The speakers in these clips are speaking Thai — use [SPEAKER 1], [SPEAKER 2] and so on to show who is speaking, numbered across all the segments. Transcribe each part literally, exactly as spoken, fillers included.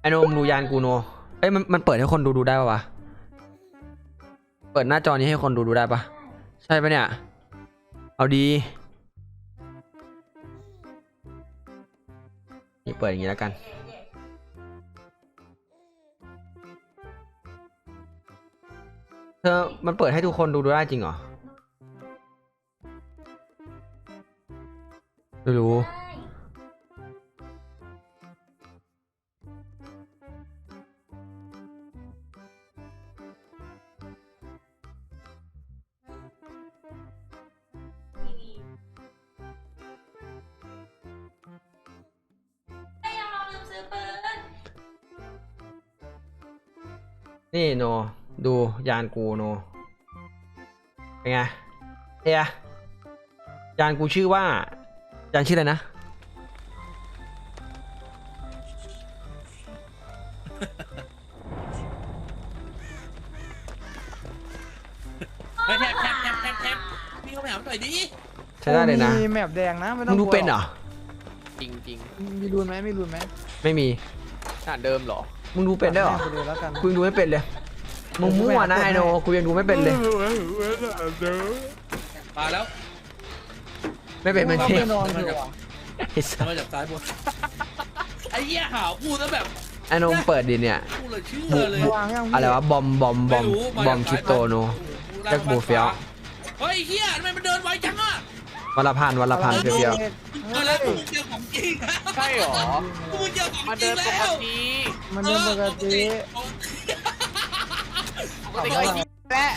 [SPEAKER 1] โนมดูยานกูโนเอ้ยมันมันเปิดให้คนดูดูได้ปะวะเปิดหน้าจอนี้ให้คนดูดูได้ปะใช่ปะเนี่ยเอาดีนี่เปิดอย่างนี้แล้วกันเธอมันเปิดให้ทุกคนดูดูได้จริงเหรอไม่รู้นี่โนดูยานกูโนเป็นไงเฮียยานกูชื่อว่ายานชื่ออะไรนะ
[SPEAKER 2] แทบแทบแทบแทบแทบพี่เขาไปหาหน่อยดิ
[SPEAKER 1] ใช้ได้เลยนะ
[SPEAKER 3] มีแมปแดงนะไม่ต้
[SPEAKER 1] มึ
[SPEAKER 3] อง
[SPEAKER 1] งดูเป็นเหรอ
[SPEAKER 4] จริงจริง
[SPEAKER 3] มีรูนไหมมีรูนไหม
[SPEAKER 1] ไม่มี
[SPEAKER 4] ขนาดเดิมเหรอ
[SPEAKER 1] มึงดูเป็นได้เหรอ
[SPEAKER 3] ไปดูแล้วกัน
[SPEAKER 1] กูยังดูไม่เป็นเลยมึงมั่วนะไอโนกูยังดูไม่เป็นเลย
[SPEAKER 2] มาแล้ว
[SPEAKER 1] ไม่เป็นมัน
[SPEAKER 3] ต้อ
[SPEAKER 1] เท่
[SPEAKER 3] งไปนอนเถอะว่ะ
[SPEAKER 1] ไอ้สัส
[SPEAKER 2] มาจากซ้ายบนไอ้เหี้ยหาวพูดแล้วแบบ
[SPEAKER 1] ไอโนเปิดดิเนี่ย
[SPEAKER 2] พูดเลยเชื่อเลย
[SPEAKER 3] วางยังพี่
[SPEAKER 1] อะไรวะบอมบอมบอมบอมคริปโตโน แจ็คบูเฟียว
[SPEAKER 2] เฮ้ยเหี้ยทำไมมันเดินไวจังอ่ะ
[SPEAKER 1] วันละพันวันละพันเพียว
[SPEAKER 2] เออแล้วมึงเจอของจริงนะ
[SPEAKER 4] ใช่เหรอ
[SPEAKER 2] มึงเจอของ
[SPEAKER 4] มา
[SPEAKER 2] จริ
[SPEAKER 4] เดิ
[SPEAKER 2] ง
[SPEAKER 4] นป
[SPEAKER 2] แล้
[SPEAKER 4] ก
[SPEAKER 2] ว
[SPEAKER 4] ติ
[SPEAKER 3] มันเดินปกติ
[SPEAKER 4] ปกติก็ยิ้มแหละ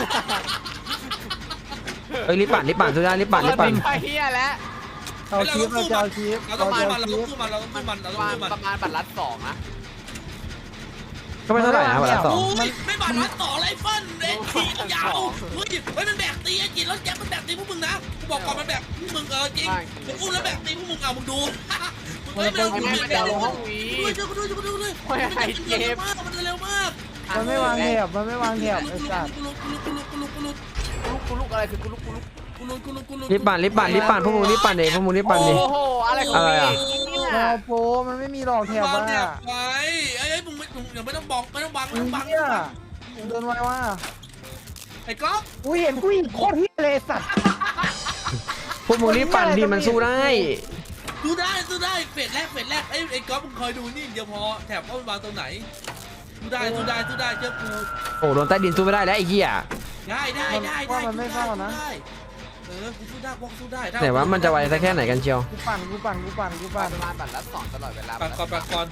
[SPEAKER 1] ๆเอ้ยรีบปั่นรีบปั่นสุดได้รีบปั่นรีบปั่น
[SPEAKER 4] ไปเฮียแล้ว
[SPEAKER 3] เอาคลิปเราจะเอาคลิป
[SPEAKER 2] เราต้
[SPEAKER 3] เรา
[SPEAKER 2] องมา
[SPEAKER 3] จะเอา
[SPEAKER 2] มันเรา
[SPEAKER 3] คลิ
[SPEAKER 2] ต้อง
[SPEAKER 3] ป
[SPEAKER 2] สู้มันเราต้องสู้มันเรา
[SPEAKER 4] ป
[SPEAKER 2] ต้อง
[SPEAKER 4] ระมาณ
[SPEAKER 2] สู้มัน
[SPEAKER 4] ประมาณบัตรลัดสองนะ
[SPEAKER 1] ก็ไม่เท่าไหร่นะวันละสอง
[SPEAKER 2] โอ้ยไม่บาดรัดต่อไรฟันเด็กขี่ยาวเฮ้ยเฮ้ยมันแบกตีไอ้จีนแล้วแจ็คมันแบกตีพวกมึงนะกูบอกก่อนมันแบกพวกมึงเออจริงมึงอุ้มแล้วแบกตีพวกมึงเอามึงดูเฮ้ยไม่เอา
[SPEAKER 4] ไอ้
[SPEAKER 2] มึง
[SPEAKER 4] แม่
[SPEAKER 2] ไม่
[SPEAKER 4] มันจะ
[SPEAKER 2] เอา
[SPEAKER 4] ลงห้องวี
[SPEAKER 2] ด้วยช่วยกูด้วยช่วยกูด้วย
[SPEAKER 4] ไม่ให้เจ็บ
[SPEAKER 2] มากมันเร็วมาก
[SPEAKER 3] มันไม่วางแถบมันไม่วางแถบไอ้สัตว์
[SPEAKER 2] กูลุกกูลุกกูลุกกูลุกกูลุก
[SPEAKER 4] กูลุกกูลุกอะไรคือกูลุกกูลุก
[SPEAKER 2] กูลุกกูลุกกูลุก
[SPEAKER 1] รีบปั่นรีบปั่นรีบปั่นพวกมึงรีบปั่นเองพวกมึงรีบปั่นดิ
[SPEAKER 4] โอ้โหอะไรของ
[SPEAKER 1] อะไร
[SPEAKER 4] พี่
[SPEAKER 1] อะ
[SPEAKER 4] เนี่ย
[SPEAKER 3] รอโปรมันไม่มีหลอกแถบ
[SPEAKER 2] วาง
[SPEAKER 3] ว่ะ
[SPEAKER 2] แถบไว้ไอ้ไอ้มึงไม่มึงอย่าไม่ต้องบอกไม่ต้องบังไม่ต้องบัง
[SPEAKER 3] เฮียเดินไวว่ะ
[SPEAKER 2] ไอ้ก๊อฟ
[SPEAKER 3] กูเห็นกูอีกโคตรเฮียเลยสัตว์
[SPEAKER 1] พวกมึงรีบปั่นดิมันสู้ได้
[SPEAKER 2] ดูได้ดูได้เฟสแรกเฟสแรกไอ้ไอ้ก๊อฟมึงคอยดูนี่เดี๋ยวพอแถบว่ามันวางตรงไหนดูได้ดูได้ดูได้เจ้ากู
[SPEAKER 1] โอ้โดนใต้ดินสู้ไม่ได้แล้วไอ้เหี้ย
[SPEAKER 2] ได้ได้ได้ได้ได้เออกูสู้ได้กูสู้ได้
[SPEAKER 1] ไหนว่ามันจะไวสักแค่ไหนกันเชียว
[SPEAKER 3] กูปั่นกูปั่นกูปั่นกูปั่น
[SPEAKER 4] ประมาณบัตรลัดสองตลอดเวลา
[SPEAKER 2] ปักก่อนปักก่อน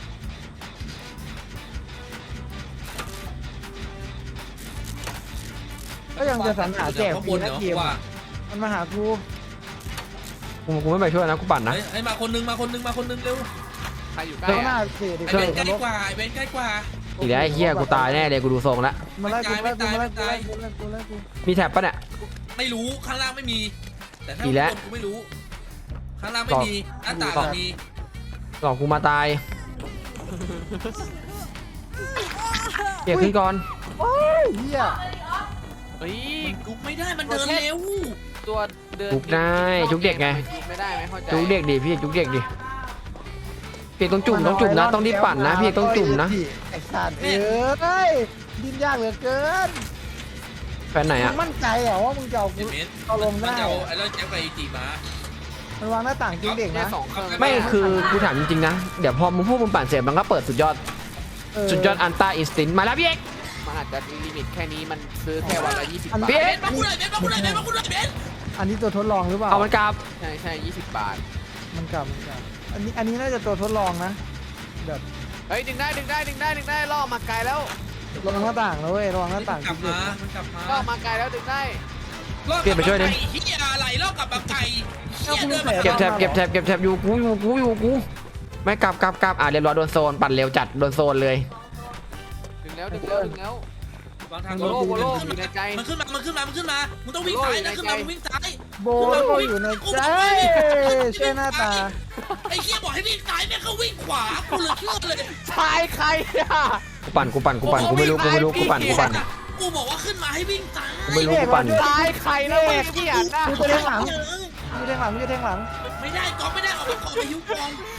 [SPEAKER 3] ก็ยังจะสรรหาแจก
[SPEAKER 2] ข้าง
[SPEAKER 3] ฟ
[SPEAKER 2] บ
[SPEAKER 3] รี
[SPEAKER 2] น
[SPEAKER 3] นะ
[SPEAKER 2] เนาะ
[SPEAKER 3] เกม
[SPEAKER 2] ว่า
[SPEAKER 3] มันมาหากู
[SPEAKER 1] กูกูไม่ไปช่วยนะกูปั่นนะ
[SPEAKER 2] ไอ้มาคนนึงมาคนนึงมาคนนึงเร็ว
[SPEAKER 4] ใครอยู่ใกล้
[SPEAKER 3] ข้างหน้า
[SPEAKER 4] อะ
[SPEAKER 3] เสียดิ
[SPEAKER 2] ไอ้เบนใกล้กว่าไอ้เบนใกล้กว่า
[SPEAKER 1] อีกแล้วไอ้เหี้ยกูตายแน่เลยกูดูทรงละ
[SPEAKER 3] มาไล่กูไล่กูมาไล่กูไล่กูไล่กูไล่กู
[SPEAKER 1] มีแท็บปะเนี่ย
[SPEAKER 2] ไม่รู้ข้างล่างไม่มี แต่ถ้า
[SPEAKER 1] อีกแล้ว
[SPEAKER 2] กูไม่รู้ ข้างล่างไม่มีหน้าต่างมี
[SPEAKER 1] หลอกกูมาตายเกียร์ขึ้นก่อน
[SPEAKER 3] โอ้ยเฮีย
[SPEAKER 4] เฮ้ย
[SPEAKER 2] ลุกไม่ได้มันเดินเร็ว
[SPEAKER 4] ตัวเดิน
[SPEAKER 1] จุกได้จุกเด็กไง
[SPEAKER 4] จุกไม่ได้ไหมเข้าใจ
[SPEAKER 1] จุกเด็กดิพี่จุกเด็กดิพี่เอกต้องจุ่มต้องจุ่มนะต้องรีบปั่นนะพี่เอกต้องจุ่มนะ
[SPEAKER 3] ไอ้สัตว์เอ้ยดิ้นยากเหลือเกิน
[SPEAKER 1] แฟนไหน
[SPEAKER 3] มึ
[SPEAKER 1] อะ
[SPEAKER 3] งมั่นใจเหรอว่ามึงจะเอา
[SPEAKER 2] ไอ้
[SPEAKER 3] กู
[SPEAKER 2] เบน
[SPEAKER 3] เอาลงได้
[SPEAKER 2] มันจะเอาไอ้แล้วแจ็คไปจีมา
[SPEAKER 3] มันวางหน้าต่างจริงเด็ก
[SPEAKER 4] แค่
[SPEAKER 3] นะ
[SPEAKER 4] สองเครื่อง
[SPEAKER 1] ไม่คือกูถามจริงๆนะเดี๋ยวพอมึงพูดมึงปั่นเสร็จมันก็เปิดสุดยอด
[SPEAKER 3] เออ
[SPEAKER 1] สุดยอดอันต้าอินสตินมาแล้วพี่เอก
[SPEAKER 4] มันอาจจะลิมิตแค่นี้มันซื้อแค่วันละยี่สิบ
[SPEAKER 3] อัน
[SPEAKER 4] บา
[SPEAKER 3] นี้
[SPEAKER 4] ท
[SPEAKER 2] เบนมาคุณหน่อยเบนมาคุณหน่อยเบนมาคุณหน่อยเบน
[SPEAKER 3] อันนี้ตัวทดลองหรือเปล่า
[SPEAKER 1] เอามันกลับ
[SPEAKER 4] ใช่ใช่ยี่สิบบาท
[SPEAKER 3] มันกลับมันกลับอันนี้อันนี้น่าจะตัวทดลองนะแบบ
[SPEAKER 4] เฮ้ยดึงได้ดึงได้ดึงได้ดึงได้ล่อมาไกลแล้ว
[SPEAKER 3] ลองหน้าต่างแล้วเว้ยลองหน้าต่าง
[SPEAKER 2] กลับ
[SPEAKER 3] จริง
[SPEAKER 2] มามันกลับมา
[SPEAKER 4] ล่อมาไกลแล้วดึงได้
[SPEAKER 2] ลอกกลับมาไก่เฮียอะไรลอกกลับมาไก่เฮียเดินมา
[SPEAKER 1] เก็บแท็บเก็บแท็บเก็บแท็บอยู่กูอยู่กูอยู่กูไม่กลับกลับกลับอ่ะเรียบร้อยโดนโซนปั่นเร็วจัดโดนโซนเลย
[SPEAKER 4] ดึงแล้วดึงแล้วดึงแล้ว
[SPEAKER 2] วางทาง
[SPEAKER 4] โบโลโบโลอยู่ในใจ
[SPEAKER 2] มันขึ้นมา มันขึ้นมา มันขึ้นมา มึงต้องวิ่งซ้ายนะขึ้นมา มึงวิ่งซ้าย
[SPEAKER 3] โบโลอยู่ในใจช่วยหน้าตา
[SPEAKER 2] ไอ้เฮียบอกให้วิ่งซ้ายแม่งก็วิ่งขวา กูเลยเชื่อเลย
[SPEAKER 4] ชายใครอ่ะ
[SPEAKER 1] กูปั่นกูปั่นกูปั่นกูไม่รู้กูไม่รู้กูปั่นกูปั่น
[SPEAKER 2] กูบอกว่าขึ้นมาให้วิ่งซ้าย
[SPEAKER 1] กูไม่รู้กูปั่น
[SPEAKER 4] ชายใครแล้วไม่เกี่ยนะ
[SPEAKER 3] กูจะเล่นหลังกูจะเล่นหลังกูจะเล่นหลัง
[SPEAKER 2] ไม่ได้ก๊อฟไม่ได้ออกมาก่อนอายุกอง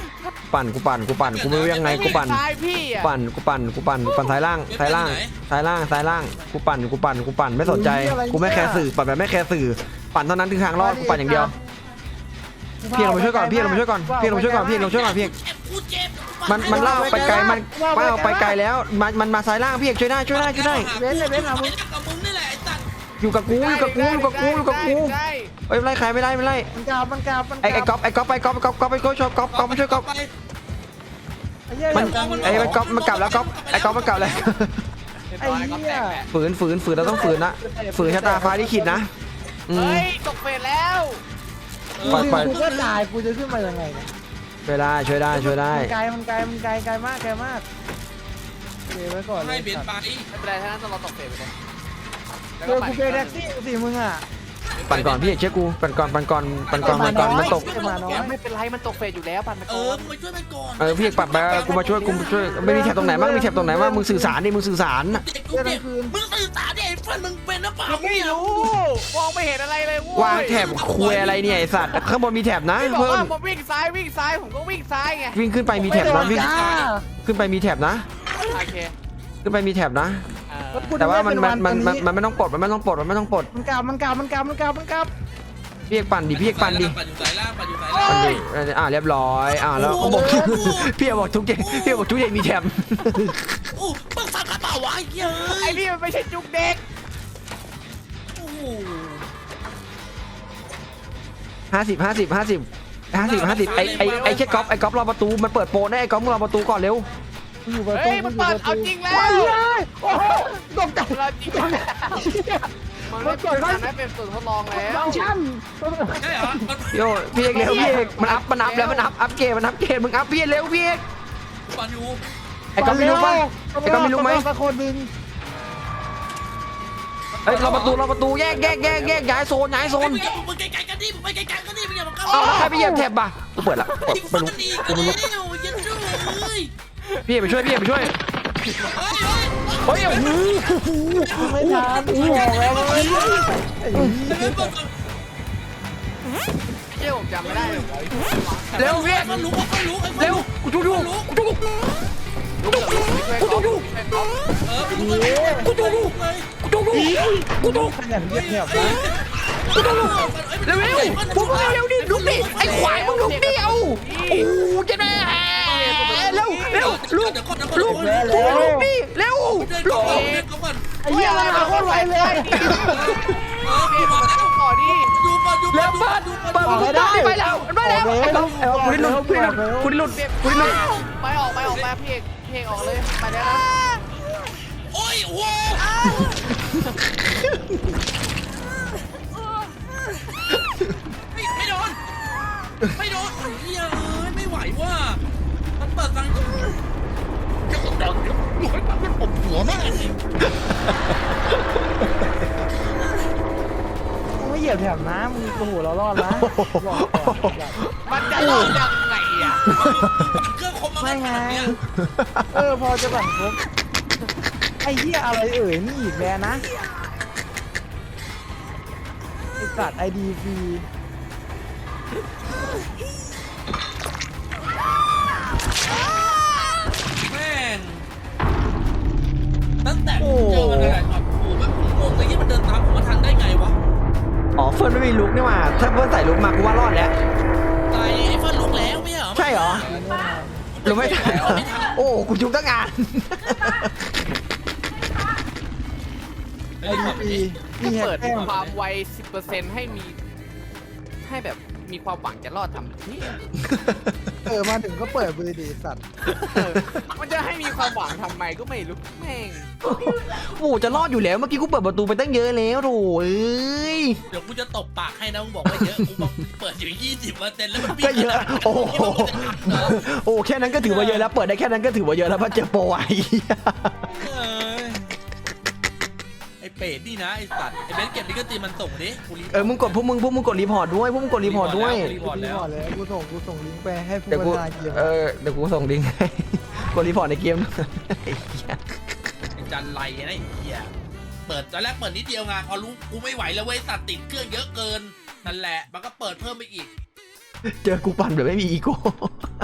[SPEAKER 1] ปั่นกูปั่นกูปั่นกูไม่รู้ยังไงกูปั่น
[SPEAKER 4] ซ้ายพี่อ่ะ
[SPEAKER 1] ปั่นกูปั่นกูปั่นกูปั่นซ้ายล่างซ้ายล่างซ้ายล่างซ้ายล่างกูปั่นกูปั่นกูปั่นไม่สนใจกูไม่แคร์สื่อปั่นแบบไม่แคร์สื่อปั่นเท่านั้นคือทางรอดกูปั่นอย่างเดียวพี่เรามาช่วยก่อนพี่เรามาช่วยก่อนพี่เรามาช่วยก่อนพี่เราช่วยก่อนพี่
[SPEAKER 2] เจ็บกูเจ็บ
[SPEAKER 1] มันมันล่ากไปไกลมันมันเอาไปไกลแล้วมันมันมาซ้ายล่างพี่เอกช่วยได้ช่วยได้ช่วยได้
[SPEAKER 3] เว้นเลยเว้นเอา
[SPEAKER 2] มึ
[SPEAKER 3] มึ
[SPEAKER 2] ง
[SPEAKER 3] ง
[SPEAKER 2] กับมึงนี่แหละไอ้สัตว์
[SPEAKER 1] อยู่กับกูอยู่กับกูอยู่กับกูอยู่กับกู
[SPEAKER 4] ได้
[SPEAKER 1] เอ้ยไม่ไล่ใครไม่ไล่ไม่ไล่
[SPEAKER 3] มันกราบมันกราบมัน
[SPEAKER 1] ไอ้ไอ้ก๊อฟไอ้ก๊อฟไปก๊อฟก๊อฟก๊อฟไปช่วยก๊อฟก๊อฟมาช่วยก๊อฟ
[SPEAKER 2] ไป
[SPEAKER 3] ไอ้เหี้ย
[SPEAKER 1] มันไอ้มันก๊อฟมันกลับแล้วก๊อฟไอ้ก๊อฟมันกลับแล้ว
[SPEAKER 3] ไอ้เหี้ย
[SPEAKER 1] ฝืนฝืนฝืนเราต้องฝืนนะฝืนชะตาฟ้าที่ขิดนะอืม
[SPEAKER 4] เฮ้ยตกเฟสแล้ว
[SPEAKER 1] ปล่อยปล่อย
[SPEAKER 3] กูก็ตายกูจะขึ้นมายังไงเนี่ย
[SPEAKER 1] ช่วยได้ช่วยได้ช่วยได้
[SPEAKER 3] มันไกลมันไกลมันไกลไกลมากไกลมากเก็บไว้ก่อนเล
[SPEAKER 2] ให้
[SPEAKER 3] ย
[SPEAKER 2] เบียดไป
[SPEAKER 4] ไม่เป็นไรถ้างั้นเราตกเฟสไปเลย
[SPEAKER 3] เจอกูเป็นแท็กซี่สิมึงอ่ะ
[SPEAKER 1] ปั่นก่อนพี่เอกเชื่อกูปั่นก่อนปั่นก่อนปั่นก่อนปั่นก่อนมันตก
[SPEAKER 3] มาน้อย
[SPEAKER 4] ไม่เป็นไรมันตกเฟสอยู่แล้วปั่นไป
[SPEAKER 2] เอ
[SPEAKER 4] ก่อ
[SPEAKER 2] อน มึงไปช่วยมันก่อน
[SPEAKER 1] เออพี่เอกปั่นไปกูมาช่วยกูมาช่วยไม่มีแถบตรงไหนบ้างมีแถบตรงไหนบ้างมึงสื่อสารดิมึงสื่อสาร
[SPEAKER 2] เด็กกูเจ็บมึงสื่อสารดิไอ้เพื่อนมึงเป็นหรือเปล่า
[SPEAKER 4] ไม่รู้มองไม่เห็นอะไรเลย
[SPEAKER 1] วางแถบคุยอะไรเนี่ยไอสัตว์ข้างบนมีแถบนะ
[SPEAKER 4] ไม่บอก
[SPEAKER 1] เพิ่
[SPEAKER 4] ว่าม ผมวิ่งซ้ายวิ่งซ้ายผมก็วิ่งซ้ายไง
[SPEAKER 1] วิ่งขึ้นไปมีแถบนะวิ่ง
[SPEAKER 3] จ้า
[SPEAKER 1] ขึ้นไปมีแถบนะ
[SPEAKER 4] โอเค
[SPEAKER 1] ขึ้นไปมีแถบนะ
[SPEAKER 4] เออ
[SPEAKER 3] แล้วกู
[SPEAKER 1] แต่
[SPEAKER 3] จะ
[SPEAKER 1] ว่ามัน
[SPEAKER 3] เป็
[SPEAKER 1] มันมันมัน
[SPEAKER 3] วั
[SPEAKER 1] มันไม่ต้องปลดมันไม่ต้องปลดมันไม่ต้องปลด
[SPEAKER 3] มันกราบมันกราบมันกราบมันกราบมันกราบมันกราบ
[SPEAKER 1] พี่เอกปั่นดิพี่เอกปั่นดิ
[SPEAKER 2] ปั่นอยู่สายล่างปั่นอยู่สายล่าง
[SPEAKER 1] ปั่นดิอ่าเรียบร้อยอ่าแล้วเขาบอกพี่เอกบอกทุกเจพี่เอกบอกทุกเจมีแถบ
[SPEAKER 2] โอ้มึงฟังกระเป๋าวะไอ้เหี้ย
[SPEAKER 4] ไอ้นี่มันไม่ใช่จุกเด็ก
[SPEAKER 2] โอ้โห
[SPEAKER 1] ห้าสิบห้าสิบห้าสิบห้าสิบห้าสิบไอไอไอแค่ก๊อฟไอก๊อฟรอประตูมันเปิดโปรได้ไอก๊อฟมึงรอประตูก่อนเร็ว
[SPEAKER 3] กูอยู่ประตู
[SPEAKER 4] เฮ้ยมันเปิดเอาจริงแล้ว
[SPEAKER 3] ว้ายเลยโอ้โหตกใจ
[SPEAKER 4] เราจริงแล้วมันไม่เปิดไม่เป็นส่วนทดลองแล้ว
[SPEAKER 3] ฟังก์ชัน
[SPEAKER 2] ใช่เหรอมัน
[SPEAKER 1] โยพี่เอกเร็วพี่เอกมันอัพมันอัพแล้วมันอัพอัพเกรดมันอัพเกรดมึงอัพพี่เอกเร็วพี่เอก
[SPEAKER 2] ปั่นอยู่
[SPEAKER 1] ไอ้ก๊อฟไม่รู้ป่ะไอ้ก๊อฟไม่รู้ไหม
[SPEAKER 3] สักคนหนึ่ง
[SPEAKER 1] เฮ้ยรอประตูรอประตูแยกแยกแยกแยกย้ายโซนย้ายโซน
[SPEAKER 2] มึงมึงไกลๆกันดิมึงไปไกลๆกันดิมึงอย่ามาเข้า
[SPEAKER 1] เอาแล้วใครไปเหยียบแถบป่ะกูเปิดละเปิด
[SPEAKER 2] อีก
[SPEAKER 1] ไม่
[SPEAKER 2] ฟัน
[SPEAKER 1] รู้
[SPEAKER 2] อีก
[SPEAKER 1] กู
[SPEAKER 2] แล้
[SPEAKER 1] ไม่
[SPEAKER 2] ว
[SPEAKER 1] รู้
[SPEAKER 2] ยันชื่อเลย
[SPEAKER 1] พี่เอกไปช่วยพี่เอกไปช่วย
[SPEAKER 2] เฮ้ยเฮ้ย
[SPEAKER 1] เฮ้ยโอ้โห
[SPEAKER 3] ไม่ทันกูบอกแล้วเว้ยไอ้เหี้ย
[SPEAKER 4] เจ้าผมจำไม่ได้เลย
[SPEAKER 1] เร็วพี่เอก
[SPEAKER 2] มันรู้มันรู้
[SPEAKER 1] เร็วกูจูดูกูจูดู
[SPEAKER 4] กูจะดู
[SPEAKER 2] เออกูรู้กูรู้เลย
[SPEAKER 1] กูจูดูกูจู
[SPEAKER 3] ขยันเงียบเงียบนะ
[SPEAKER 1] เร็วเร็วพวกมึงเร็วดิลุกดิไอ้ควายมึงลุกดิเอาโอ้เจ๊แม่เร็วเร็วลุก
[SPEAKER 2] เดี๋ยวก่อนเดี๋ยวก่อน
[SPEAKER 1] ลุก
[SPEAKER 2] เดี๋ยวก่อน
[SPEAKER 1] ลุกลุกดิเร็ว
[SPEAKER 2] เดิน
[SPEAKER 1] ลุ
[SPEAKER 2] ก่อก นเดินก่อน
[SPEAKER 3] ไอ้เหี้ยมันมาโคตรไวเลย
[SPEAKER 2] เออพี่มาแล้ว
[SPEAKER 4] ขอดิ
[SPEAKER 2] ดูก่อนดูก่
[SPEAKER 1] เร็
[SPEAKER 2] อน
[SPEAKER 1] วเปิดเปิดประตูไปแล้วไปแล้วไอ้ก๊อฟไอ้ก๊อฟคุณดิลุนคุณดิลุนคุณดิลุนคุณดิลุน
[SPEAKER 4] ไปออกไปออกไปพี่เอกพี่เอกออกเลยไปแล้วนะ
[SPEAKER 2] โอ้ยโอ้ไม่โดนไม่โดนเฮ้ยไม่ไหวว่ะมันเปิดทางจะกดดันหน่อยมันอบหัวแม่
[SPEAKER 3] มึงไม่เหยียบแถบนะมึงโอ้โหเรารอดนะบอกก่อน
[SPEAKER 4] มันจะรอดยังไงอ่ะ
[SPEAKER 2] เครื่องคมมา
[SPEAKER 3] ไม่ไง
[SPEAKER 2] เนี่ย
[SPEAKER 3] เออพอจะบังคบไอ้เหี้ยอะไรเอ่ยนี่อีกแล้วนะไอ้สัตว์ไอดีฟรี
[SPEAKER 2] แม่งตั้งแต่ผมเจอมันอะไรครับโอ้แบบผมงงเลยที่มันเดินตามผมมาทันได้ไงวะ
[SPEAKER 1] อ๋อเฟิร์นไม่มีลุกนี่หว่าถ้าเฟิร์นใส่ลุกมากูว่ารอดแล้ว
[SPEAKER 2] ตายไอ้เฟิร์นลุกแล้วไม่เหรอ
[SPEAKER 1] ใช่เหรอลุกไม่ทันเหรอโอ้กูจุกตั้งงาน
[SPEAKER 3] ไอดีฟรี
[SPEAKER 4] ก็
[SPEAKER 3] นี่
[SPEAKER 4] เปิด
[SPEAKER 3] แต้ม
[SPEAKER 4] ความไว สิบเปอร์เซ็นต์ ให้มีให้แบบมีความหวังจะรอดทำนี่
[SPEAKER 3] เออมาถึงก็เปิดบริดีสัตว์
[SPEAKER 4] มันจะให้มีความหวังทำไมก็ไม่รู้แม่ง
[SPEAKER 1] โอ้จะรอดอยู่แล้วเมื่อกี้กูเปิดประตูไปตั้งเยอะแล้วโถ่เอ้ย
[SPEAKER 2] เดี๋ยวกูจะตบปากให้นะมึงบอกว่าเยอะกูบอกเปิดอยู่ยี่สิบเปอร์เซ็นต์แล้วมัน
[SPEAKER 1] ก็เยอะโอ้โหโอ้แค่นั้นก็ถือว่าเยอะแล้วเปิดได้แค่นั้นก็ถือว่าเยอะแล้วเพราะเจอโปรไอ้
[SPEAKER 2] ไอ้เป็ดนี่นะไอ้สัตว์ไอ้เบนเก็บลิขสิทธิ์มันส่งดิกูรี
[SPEAKER 1] เออมึงกดพวกมึงพวกมึงกดรีพอร์ตด้วยพวกมึงกดรีพอร์ตด้วย
[SPEAKER 2] รีพอร์ต
[SPEAKER 3] รี
[SPEAKER 2] แล้ว
[SPEAKER 3] พอร์ตเลยกูส่งกูส่งลิงก์ไปให้ผู้
[SPEAKER 1] เดี๋ยวกู
[SPEAKER 3] บรรยายเกม
[SPEAKER 1] เออเดี๋ยวกูส่งลิงก์ให้ กดรีพอร์ตในเกมไอ้เหี้ย
[SPEAKER 2] ไอ้จันไรนะไอ้เหี้ยเปิดตอนแรกเปิดนิดเดียวไงพอรู้กูไม่ไหวแล้วเว้ยสัตว์ติดเครื่องเยอะเกินนั่นแหละมันก็เปิดเพิ่มไปอีก
[SPEAKER 1] เจอกูปั่นแบบไม่มีอีโก้